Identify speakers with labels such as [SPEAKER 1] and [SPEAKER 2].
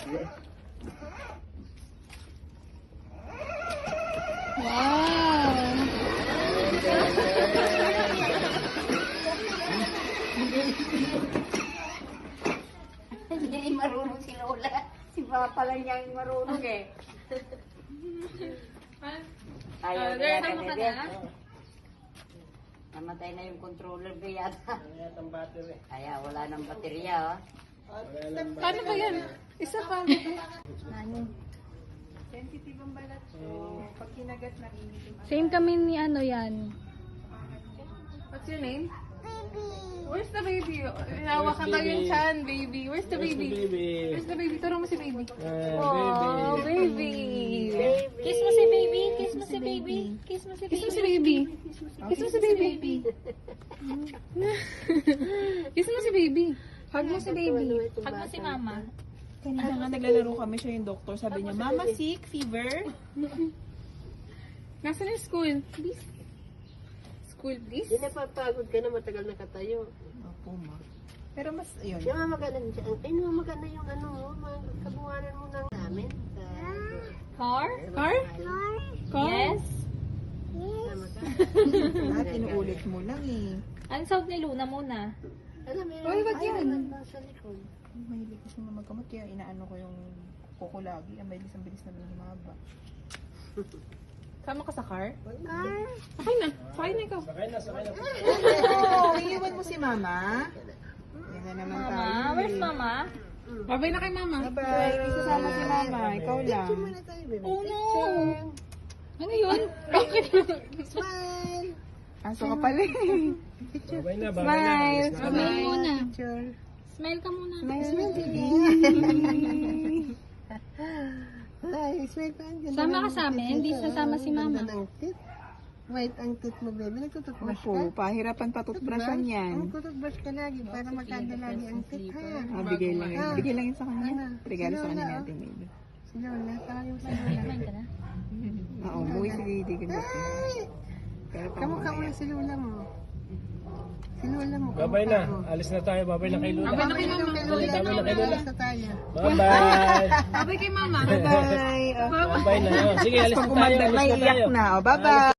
[SPEAKER 1] Hindi marunong si Lola. Si Papa lang niya yung marunong eh. Ayaw na yata bebe. Namatay na yung controller ko yata. Kaya wala nang baterya oh.
[SPEAKER 2] Paano ba yan? Isa pa.
[SPEAKER 3] Sensitive ang balat. So, pag kinagat na
[SPEAKER 2] Same kami ni ano yan.
[SPEAKER 3] What's your name? Where's the baby? Hawakan daw yung chan, baby. Where's the baby? Where's the baby? Turo mo si baby. Oh, baby.
[SPEAKER 2] Kiss mo si baby. Kiss mo si baby. Kiss mo si baby. Kiss mo si baby. Kiss mo si baby. Kiss mo si baby. Hug mo si baby. Hug mo si mama.
[SPEAKER 3] Kanina nga naglalaro kami siya yung doktor. Sabi niya, Mama sick, fever.
[SPEAKER 2] Nasaan yung school? Please. School, please.
[SPEAKER 1] Hindi napapagod ka na matagal nakatayo.
[SPEAKER 3] Opo, ma. Pero mas, yun.
[SPEAKER 1] Siya mamagana dyan. Ay, mamagana yung ano mo, kabuhanan mo ng namin.
[SPEAKER 2] Car?
[SPEAKER 3] Car?
[SPEAKER 2] Yes.
[SPEAKER 3] Inuulit mo lang eh.
[SPEAKER 2] Ano sound ni Luna muna?
[SPEAKER 1] Alam mo,
[SPEAKER 3] Oy, wag yan.
[SPEAKER 1] nasa likod.
[SPEAKER 3] Mahilig kasi na magkamot kaya inaano ko yung kuko lagi. Ang bilis na lumaba. Sama ka sa car?
[SPEAKER 2] Sakay na. Sakay na ikaw.
[SPEAKER 3] Oo, iiwan mo si mama. Yan na naman tayo.
[SPEAKER 2] Mama, where's mama?
[SPEAKER 3] Babay na kay mama. Bye. Isasama si mama. Ikaw lang.
[SPEAKER 2] Oh no! Ano yun? Bakit?
[SPEAKER 1] Smile!
[SPEAKER 3] Aso ka pala eh.
[SPEAKER 2] Smile! Smile muna.
[SPEAKER 3] Picture.
[SPEAKER 2] Smile ka muna.
[SPEAKER 3] Smile.
[SPEAKER 1] Ay, smile pa.
[SPEAKER 2] Sama ka sa amin, hindi sasama si mama.
[SPEAKER 1] Wait, ang tooth mo, baby. Nagtututbrush ka?
[SPEAKER 3] Opo, pahirapan patutbrushan yan.
[SPEAKER 1] Nagtututbrush ka lagi para magkanda lagi ang tooth, ha?
[SPEAKER 3] Ah, bigay lang yun. Bigay lang yun sa kanya. Regalo sa kanya natin, baby.
[SPEAKER 1] Si Lola, tawagin mo si Lola.
[SPEAKER 2] Kumain ka na?
[SPEAKER 3] Oo, umuwi si Didi kasi. Pero
[SPEAKER 1] Kamukha mo yung si Lola mo. Si Lola mo.
[SPEAKER 4] Babay na. Alis na tayo. Babay na kay Lola.
[SPEAKER 1] Babay na kay Lola.
[SPEAKER 4] Babay na kay Lola.
[SPEAKER 1] Sa tayo.
[SPEAKER 4] Bye-bye.
[SPEAKER 2] Babay kay mama.
[SPEAKER 3] Bye-bye.
[SPEAKER 4] Bye na. Sige, alis na tayo.
[SPEAKER 3] Pag umanda,
[SPEAKER 4] Alis na
[SPEAKER 3] naiiyak
[SPEAKER 4] tayo.
[SPEAKER 3] na. Bye-bye.